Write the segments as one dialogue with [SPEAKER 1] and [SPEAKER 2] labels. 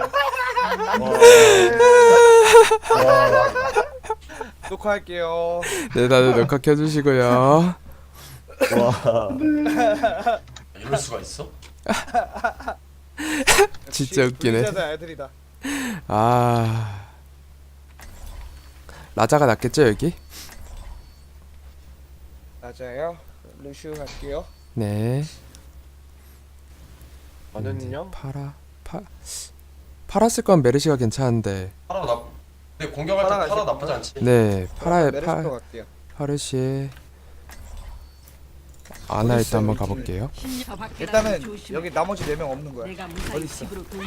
[SPEAKER 1] 녹화할게요.
[SPEAKER 2] 네, 다들 녹화 켜주시고요.
[SPEAKER 3] 와.
[SPEAKER 4] 이럴 수가 있어?
[SPEAKER 2] 진짜 웃기네.
[SPEAKER 1] 진짜 애들이다.
[SPEAKER 2] 아, 라자가 낫겠죠 여기?
[SPEAKER 1] 맞아요. 루슈 갈게요.
[SPEAKER 2] 네.
[SPEAKER 3] 저는요?
[SPEAKER 2] 파라 쓸 건 메르시가 괜찮은데.
[SPEAKER 4] 파라 나. 근데 공격할 때
[SPEAKER 1] 파라가
[SPEAKER 4] 파라
[SPEAKER 1] 있을
[SPEAKER 4] 나쁘지 않지.
[SPEAKER 2] 네,
[SPEAKER 1] 메르시토 갈게요.
[SPEAKER 2] 파르시에 아나 일단 한번 가볼게요.
[SPEAKER 1] 일단은 여기 나머지 4명 없는 거야. 어디 있어?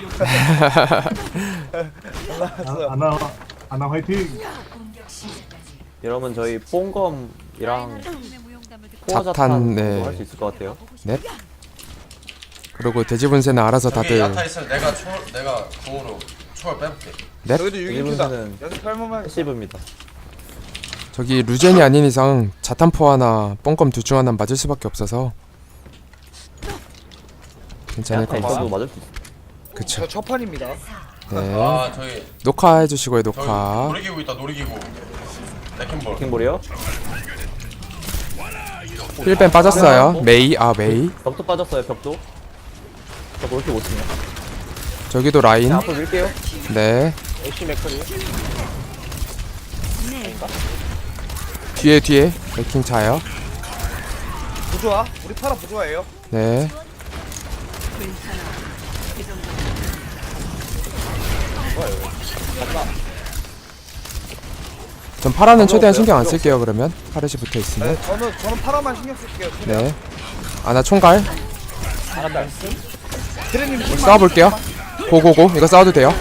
[SPEAKER 5] 아나 화이팅!
[SPEAKER 3] 여러분 저희 뽕검이랑
[SPEAKER 2] 자탄, 네.
[SPEAKER 3] 할수 있을 것 같아요.
[SPEAKER 2] 네. 그리고 돼지 분쇄는 알아서
[SPEAKER 4] 저기
[SPEAKER 2] 다들.
[SPEAKER 4] 야타 있으면 내가 궁으로 초월 빼볼게.
[SPEAKER 2] 네?
[SPEAKER 1] 여기도 6인큐다.
[SPEAKER 3] 일본에는
[SPEAKER 1] 연습할만만.
[SPEAKER 3] 패시브입니다.
[SPEAKER 2] 저기 루젠이 아닌 이상 자탄포 하나, 뽕검 둘 중 하나 맞을 수밖에 없어서 괜찮을 것
[SPEAKER 3] 있어도
[SPEAKER 2] 같습니다.
[SPEAKER 3] 맞을 수 있어.
[SPEAKER 2] 그쵸.
[SPEAKER 1] 저 첫판입니다.
[SPEAKER 2] 네.
[SPEAKER 4] 아 저기
[SPEAKER 2] 녹화해주시고요,
[SPEAKER 4] 저기
[SPEAKER 2] 녹화.
[SPEAKER 4] 놀이기구 있다 놀이기구. 레킹볼.
[SPEAKER 3] 킹볼이요?
[SPEAKER 2] 힐벤 빠졌어요. 메이, 메이.
[SPEAKER 3] 벽도 빠졌어요. 벽도. 저 그렇게 못 치냐?
[SPEAKER 2] 저기도 라인.
[SPEAKER 3] 앞으로 밀게요.
[SPEAKER 2] 네.
[SPEAKER 3] 애쉬 맥커리.
[SPEAKER 2] 뒤에 레킹 차요.
[SPEAKER 1] 부조화? 우리 파라 부조화예요.
[SPEAKER 2] 네. 전 파라는 최대한 신경 안 쓸게요. 그러면 파르시 붙어 있으면.
[SPEAKER 1] 네, 저는 파라만 신경 쓸게요. 최대한.
[SPEAKER 2] 네. 아나 총갈
[SPEAKER 1] 드레님
[SPEAKER 2] 싸워볼게요. 고고고. 이거 싸워도 돼요.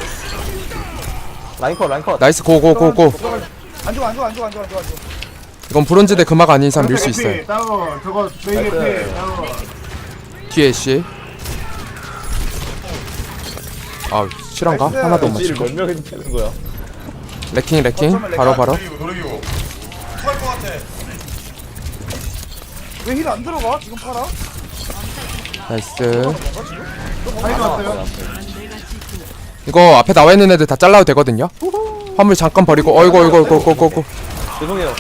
[SPEAKER 3] 라인컷.
[SPEAKER 2] 나이스 고고고고.
[SPEAKER 1] 안 죽어.
[SPEAKER 2] 이건 브론즈 대 금화가 아닌 이상 밀 수 있어요.
[SPEAKER 5] 따로 저거 메이게 피 따로.
[SPEAKER 2] 뒤에 씨. 아 실한가?
[SPEAKER 1] 나이스.
[SPEAKER 2] 하나도 못
[SPEAKER 3] 딜
[SPEAKER 2] 맞추고.
[SPEAKER 3] 몇 명이 되는 거야?
[SPEAKER 2] 레킹 바로
[SPEAKER 4] 놀이기구. 토할 것 같아.
[SPEAKER 1] 왜 힐 안 들어가? 지금 파라?
[SPEAKER 2] 나이스.
[SPEAKER 5] 아이고 왔어요.
[SPEAKER 2] 이거 앞에 나와 있는 애들 다 잘라도 되거든요. 화물 잠깐 버리고. 어이구.
[SPEAKER 3] 죄송해요.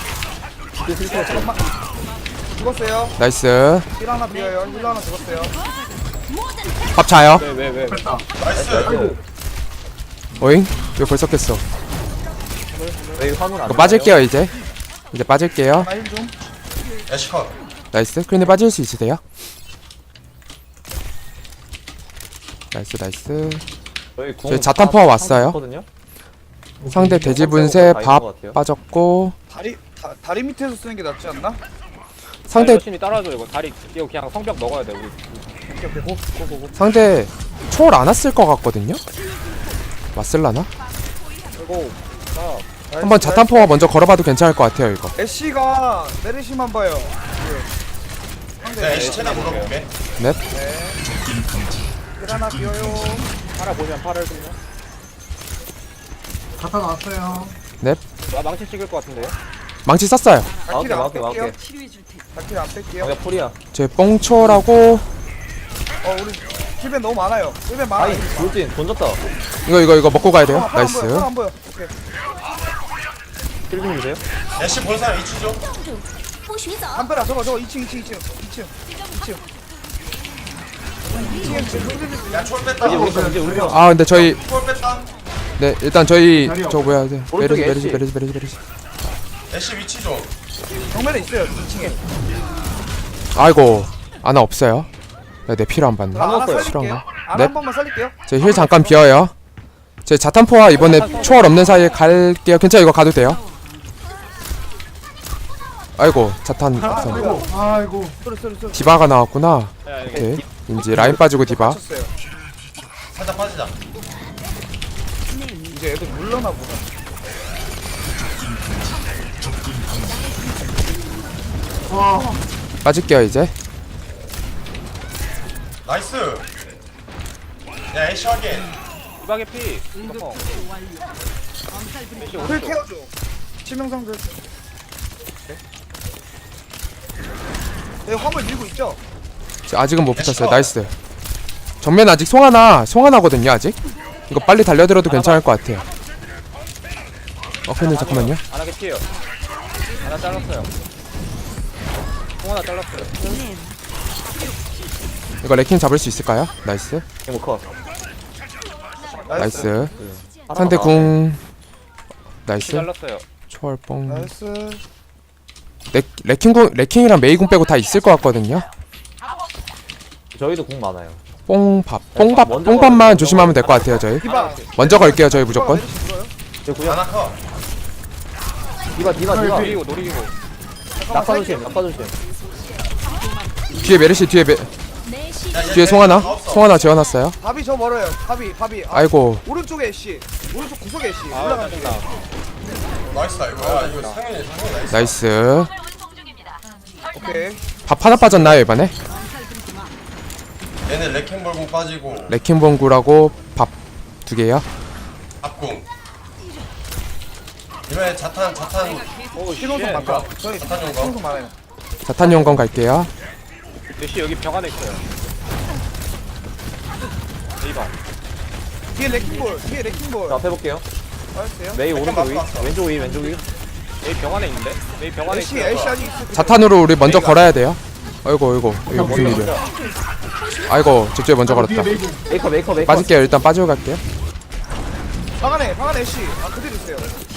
[SPEAKER 1] 죽었어요.
[SPEAKER 2] 나이스.
[SPEAKER 1] 힐 하나 비어요. 힐 하나 죽었어요.
[SPEAKER 2] 밥 차요.
[SPEAKER 3] 왜?
[SPEAKER 4] 나이스.
[SPEAKER 2] 오잉? 왜 벌써 깼어?
[SPEAKER 3] 왜 화물 안
[SPEAKER 2] 이거 빠질게요 이제 빠질게요.
[SPEAKER 1] 힐 좀.
[SPEAKER 4] 애쉬컷.
[SPEAKER 2] 나이스. 크린이 빠질 수 있으세요? 나이스. 저희 자탄 포화 왔어요. 상대 돼지 분쇄 밥 빠졌고.
[SPEAKER 1] 다리 밑에서 쓰는 게 낫지 않나?
[SPEAKER 2] 상대
[SPEAKER 6] 열심히 따라줘 이거 다리 이거 그냥 성벽 먹어야 돼 우리.
[SPEAKER 1] 오케이. 고.
[SPEAKER 2] 상대 초월 안 왔을 것 같거든요. 왔을라나?
[SPEAKER 1] 고.
[SPEAKER 2] 한번 자탄 포화 먼저 걸어봐도 괜찮을 것 같아요 이거.
[SPEAKER 1] 애쉬가 메르시만 봐요.
[SPEAKER 4] 내가 애쉬 최대한 물어볼게.
[SPEAKER 2] 넵.
[SPEAKER 1] 힐 하나 비어요.
[SPEAKER 6] 파라 보면 파를 그냥.
[SPEAKER 5] 자타 나왔어요.
[SPEAKER 6] 나 망치 찍을 것 같은데요?
[SPEAKER 2] 망치 썼어요.
[SPEAKER 1] 다킬 안
[SPEAKER 3] 막게.
[SPEAKER 1] 뺄게요. 다킬 안 뺄게요.
[SPEAKER 3] 야 풀이야.
[SPEAKER 2] 제 뽕초라고.
[SPEAKER 1] 우리 힐벤 너무 많아요. 힐벤 많아.
[SPEAKER 3] 아이 돌진 던졌다.
[SPEAKER 2] 이거 먹고 가야 돼요.
[SPEAKER 1] 파라 안
[SPEAKER 2] 나이스.
[SPEAKER 1] 보여. 파라 안 보여. 오케이.
[SPEAKER 3] 킬좀 주세요.
[SPEAKER 4] 애쉬 본 사람 이치죠?
[SPEAKER 1] 안 빼라. 저거 2층. 2층에
[SPEAKER 4] 야 초월
[SPEAKER 3] 이제
[SPEAKER 4] 뺐다.
[SPEAKER 3] 우리 편.
[SPEAKER 2] 아 근데 저희
[SPEAKER 4] 초월 뺐다.
[SPEAKER 2] 네 일단 저희
[SPEAKER 5] 자리요.
[SPEAKER 2] 저 뭐야
[SPEAKER 3] 오른쪽에
[SPEAKER 2] 메르시.
[SPEAKER 4] 애쉬 위치 좀.
[SPEAKER 1] 정면에 있어요. 2층에.
[SPEAKER 2] 아이고 아나 없어요. 내 피를 안 받네.
[SPEAKER 1] 하나 살릴게요.
[SPEAKER 2] 실화인가?
[SPEAKER 1] 하나
[SPEAKER 2] 네.
[SPEAKER 1] 한 번만 살릴게요.
[SPEAKER 2] 제 힐 잠깐 비어요. 제 자탄포화 이번에 초월 없는 사이에 갈게요. 괜찮아 이거 가도 돼요. 아이고 자탄
[SPEAKER 5] 아이고.
[SPEAKER 1] 쏘리.
[SPEAKER 2] 디바가 나왔구나.
[SPEAKER 6] 야 이거
[SPEAKER 2] 오케이 이제 라인 빠지고 디바.
[SPEAKER 1] 맞췄어요.
[SPEAKER 4] 살짝 빠지자.
[SPEAKER 1] 이제 애들 물러나 보다.
[SPEAKER 5] 와.
[SPEAKER 2] 빠질게요 이제.
[SPEAKER 4] 나이스. 야 애쉬 확인.
[SPEAKER 6] 이박의 피. 어.
[SPEAKER 1] 풀 케어줘. 치명상들. 네, 화물 밀고 있죠?
[SPEAKER 2] 아직은 못 붙였어요. 나이스. 정면 아직 송하나거든요 아직. 이거 빨리 달려들어도 괜찮을 것 같아요. 근데 잠깐만요.
[SPEAKER 6] 안 하게 피해요. 하나 잘랐어요. 통 하나 잘랐어요.
[SPEAKER 2] 이거 레킹 잡을 수 있을까요? 나이스.
[SPEAKER 3] 이거 컷.
[SPEAKER 2] 나이스. 상대 궁.
[SPEAKER 6] 피
[SPEAKER 2] 나이스.
[SPEAKER 6] 잘랐어요.
[SPEAKER 2] 초월뽕.
[SPEAKER 1] 나이스.
[SPEAKER 2] 레킹이랑 메이궁 빼고 다 있을 것 같거든요.
[SPEAKER 3] 저희도 공 많아요.
[SPEAKER 2] 뽕밥만 조심하면 될 것 같아요. 저희
[SPEAKER 1] 디바.
[SPEAKER 2] 먼저 걸게요. 저희 무조건.
[SPEAKER 3] 저 구역.
[SPEAKER 4] 하나 커.
[SPEAKER 3] 디바.
[SPEAKER 6] 노리고 노리고.
[SPEAKER 3] 낙사 조심.
[SPEAKER 2] 뒤에 메르시 뒤에 송하나 재워놨어요.
[SPEAKER 1] 밥이 저 멀어요. 밥이.
[SPEAKER 2] 아이고.
[SPEAKER 1] 오른쪽에 애쉬. 오른쪽 구석에 애쉬.
[SPEAKER 6] 아
[SPEAKER 1] 올라가는 중.
[SPEAKER 6] 짜증나.
[SPEAKER 4] 나이스다 이거. 야 이거 상현이 나이스.
[SPEAKER 2] 나이스.
[SPEAKER 1] 오케이.
[SPEAKER 2] 밥 하나 빠졌나요 이번에?
[SPEAKER 4] 얘네 레킹볼공 빠지고
[SPEAKER 2] 레킹봉구라고 밥 2개요.
[SPEAKER 4] 앞궁. 이번에 자탄
[SPEAKER 6] 오
[SPEAKER 1] 신호선
[SPEAKER 6] 쉣.
[SPEAKER 1] 바꿔. 저희
[SPEAKER 4] 자탄 용거.
[SPEAKER 1] 신호선 많아요.
[SPEAKER 2] 자탄 용건 갈게요.
[SPEAKER 6] 대시 여기 벽 안에 있어요. 이봐.
[SPEAKER 1] 뒤에 레킹볼.
[SPEAKER 3] 자, 앞에 볼게요.
[SPEAKER 1] 알았어요.
[SPEAKER 3] 메이 오른쪽 위.
[SPEAKER 4] 왔어.
[SPEAKER 3] 왼쪽 위.
[SPEAKER 6] 여기 벽 안에 있는데? 여기 벽 안에
[SPEAKER 1] 애쉬
[SPEAKER 6] 있어요.
[SPEAKER 1] 아직 있어.
[SPEAKER 2] 자탄으로 우리 먼저 걸어야 돼요. 아이고 이거 무슨 일이야. 아이고 저쪽에 먼저 걸었다.
[SPEAKER 3] 메이커.
[SPEAKER 2] 빠질게요. 일단 빠지고 갈게요.
[SPEAKER 1] 방 안에 애쉬. 그대로 있어요.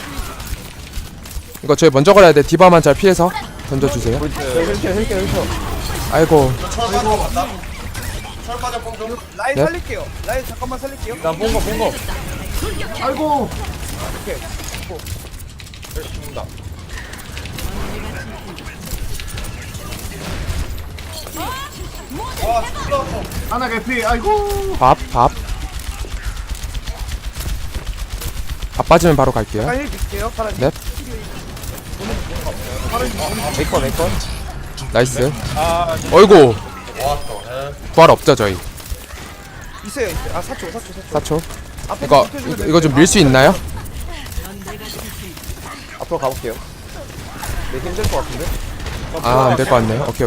[SPEAKER 2] 이거 저희 먼저 걸어야 돼. 디바만 잘 피해서 던져주세요.
[SPEAKER 3] 힐켜.
[SPEAKER 2] 아이고
[SPEAKER 4] 철 빠진 거 맞다. 철 빠진 공 좀.
[SPEAKER 1] 라인
[SPEAKER 2] 네?
[SPEAKER 1] 살릴게요. 라인 잠깐만 살릴게요.
[SPEAKER 3] 난 본거.
[SPEAKER 5] 아이고.
[SPEAKER 6] 죽는다.
[SPEAKER 4] 와 죽다.
[SPEAKER 5] 하나 개피. 아이고.
[SPEAKER 2] 밥 빠지면 바로 갈게요.
[SPEAKER 1] 잠깐 힐 줄게요. 파란.
[SPEAKER 2] 네.
[SPEAKER 3] 메이커.
[SPEAKER 2] 나이스.
[SPEAKER 6] 아
[SPEAKER 2] 어이구
[SPEAKER 4] 와또.
[SPEAKER 2] 부활 없죠 저희.
[SPEAKER 1] 있어요. 아 4초.
[SPEAKER 2] 4초.
[SPEAKER 1] 앞에
[SPEAKER 2] 이거
[SPEAKER 1] 좀 붙여주면
[SPEAKER 2] 이거 좀 밀 수 있나요?
[SPEAKER 3] 앞으로 가볼게요. 네, 힘들 것 같은데?
[SPEAKER 2] 아 안 될 것 같네요. 오케이.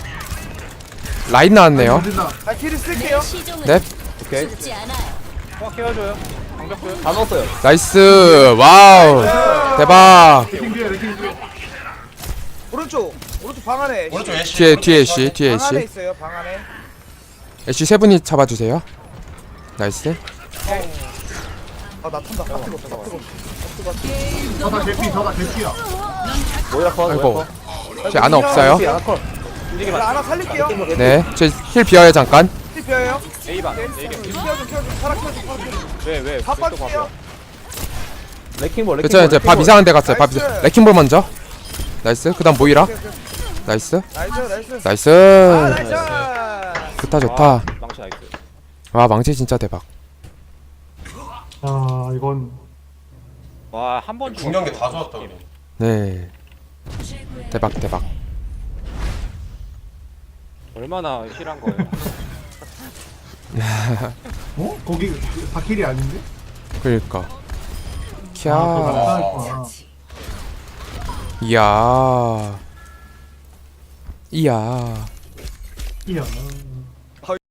[SPEAKER 2] 라인 나왔네요.
[SPEAKER 5] 어디다.
[SPEAKER 1] 아 힐을 쓸게요.
[SPEAKER 2] 네.
[SPEAKER 3] 오케이.
[SPEAKER 6] 꽉 깨워줘요. 방벽 줘요.
[SPEAKER 3] 다 넣었어요.
[SPEAKER 2] 나이스. 와우. 대박.
[SPEAKER 5] 레킹 뒤에.
[SPEAKER 1] 오른쪽 방 안에 애쉬.
[SPEAKER 4] 오른쪽 애쉬.
[SPEAKER 2] 뒤에 애쉬.
[SPEAKER 1] 방 안에 있어요. 방 안에.
[SPEAKER 2] 애쉬 3분이 잡아주세요. 나이스.
[SPEAKER 1] 아나 탄다. 아 뜨거.
[SPEAKER 5] 저다 개피야.
[SPEAKER 3] 모이라 컷.
[SPEAKER 2] 아이고. 제 아나 없어요.
[SPEAKER 3] 하나 컷.
[SPEAKER 1] 나 하나 살릴게요.
[SPEAKER 2] 네. 제 힐 비어요 잠깐.
[SPEAKER 1] 힐 비어요.
[SPEAKER 6] A반.
[SPEAKER 1] 네.
[SPEAKER 6] A반.
[SPEAKER 1] 키워줘. 파라 키워줘.
[SPEAKER 6] 왜?
[SPEAKER 1] 다
[SPEAKER 6] 또
[SPEAKER 1] 빠질게요.
[SPEAKER 3] 레킹볼.
[SPEAKER 2] 그쵸 이제 밥 이상한 데 갔어요.
[SPEAKER 1] 나이스.
[SPEAKER 2] 레킹볼 먼저. 나이스. 그다음 모이라. 나이스.
[SPEAKER 1] 나이스.
[SPEAKER 2] 나이스.
[SPEAKER 1] 나이스.
[SPEAKER 2] 좋다.
[SPEAKER 6] 망치 나이스.
[SPEAKER 2] 와 망치 진짜 대박.
[SPEAKER 5] 아 이건.
[SPEAKER 6] 와 한 번
[SPEAKER 4] 중요한 게 다 좋았다 우리.
[SPEAKER 2] 네. 대박.
[SPEAKER 6] 얼마나 실한 거예요.
[SPEAKER 5] 어? 거기 바퀴리 아닌데?
[SPEAKER 2] 그러니까. 캬.
[SPEAKER 5] 아,
[SPEAKER 2] 이야.
[SPEAKER 5] 이야.